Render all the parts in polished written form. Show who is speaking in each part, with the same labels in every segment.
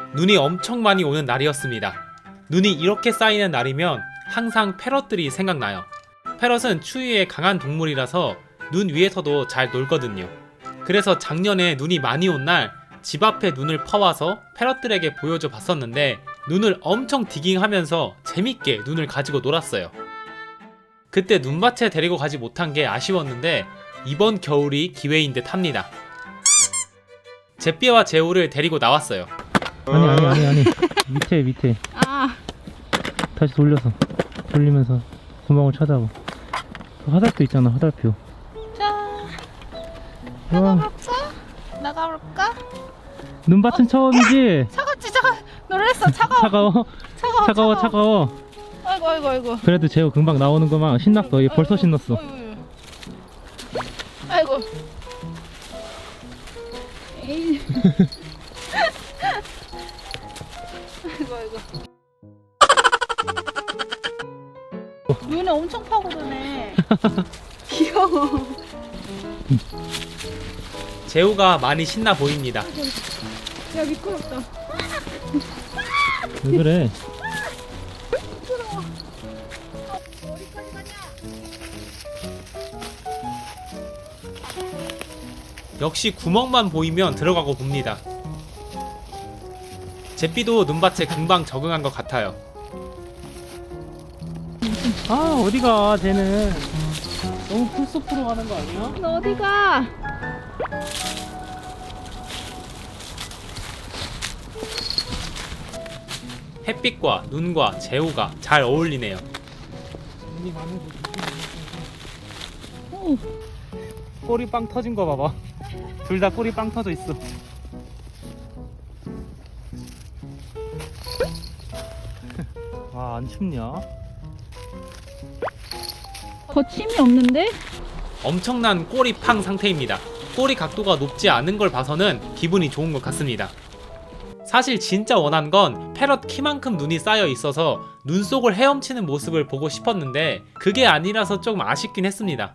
Speaker 1: 눈이 엄청 많이 오는 날이었습니다. 눈이 이렇게 쌓이는 날이면 항상 패럿들이 생각나요. 패럿은 추위에 강한 동물이라서 눈 위에서도 잘 놀거든요. 그래서 작년에 눈이 많이 온 날 집 앞에 눈을 퍼와서 패럿들에게 보여줘 봤었는데 눈을 엄청 디깅하면서 재밌게 눈을 가지고 놀았어요. 그때 눈밭에 데리고 가지 못한 게 아쉬웠는데 이번 겨울이 기회인 듯 합니다. 제삐와 제우를 데리고 나왔어요.
Speaker 2: 아니 밑에
Speaker 3: 아,
Speaker 2: 다시 돌리면서 구멍을 찾아봐. 그 화살표 있잖아, 화살표.
Speaker 3: 자,
Speaker 2: 와,
Speaker 3: 나가볼까?
Speaker 2: 눈밭은 처음이지?
Speaker 3: 차갑지, 놀랬어, 차가워.
Speaker 2: 차가워.
Speaker 3: 아이고.
Speaker 2: 그래도 재호 금방 나오는구만. 신났어. 얘 벌써 신났어.
Speaker 3: 아이고. 에이. 아이고. 눈에 엄청 파고드네. 귀여워.
Speaker 1: 제우가 많이 신나 보입니다.
Speaker 3: 야, 미끄럽다.
Speaker 2: 왜 그래?
Speaker 1: 역시 구멍만 보이면 들어가고 봅니다. 제삐도 눈밭에 금방 적응한 것 같아요.
Speaker 2: 아, 어디가, 쟤는. 너무 풀숲으로 가는 거 아니야?
Speaker 3: 너 어디가?
Speaker 1: 햇빛과 눈과 제우가 잘 어울리네요.
Speaker 2: 눈이 많은 곳.
Speaker 3: 오,
Speaker 2: 꼬리 빵 터진 거 봐봐. 둘 다 꼬리 빵 터져 있어. 와, 안 춥냐?
Speaker 3: 거침이 없는데?
Speaker 1: 엄청난 꼬리 팡 상태입니다. 꼬리 각도가 높지 않은 걸 봐서는 기분이 좋은 것 같습니다. 사실 진짜 원한 건 패럿 키만큼 눈이 쌓여 있어서 눈 속을 헤엄치는 모습을 보고 싶었는데 그게 아니라서 조금 아쉽긴 했습니다.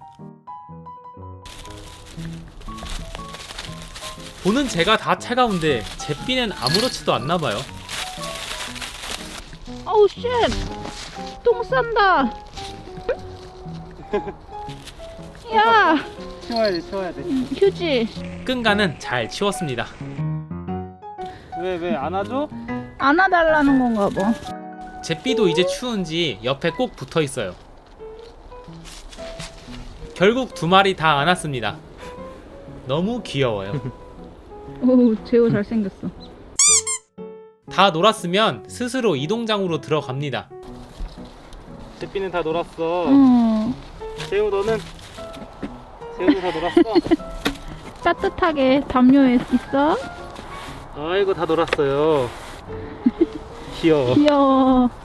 Speaker 1: 보는 제가 다 차가운데 제삐는 아무렇지도 않나봐요.
Speaker 3: 어우, 쉣! 똥 싼다! 야!
Speaker 2: 치워야 돼.
Speaker 3: 휴지!
Speaker 1: 끈가는 잘 치웠습니다.
Speaker 2: 왜 안아줘?
Speaker 3: 안아달라는 건가 봐.
Speaker 1: 제삐도 이제 추운지 옆에 꼭 붙어 있어요. 결국 두 마리 다 안았습니다. 너무 귀여워요.
Speaker 3: 오, 재호 잘생겼어.
Speaker 1: 다 놀았으면 스스로 이동장으로 들어갑니다.
Speaker 2: 제삐는 다 놀았어.
Speaker 3: 재호
Speaker 2: 너는? 재호도 다 놀았어?
Speaker 3: 따뜻하게 담요에 있어?
Speaker 2: 아이고, 다 놀았어요. 귀여워.
Speaker 3: 귀여워.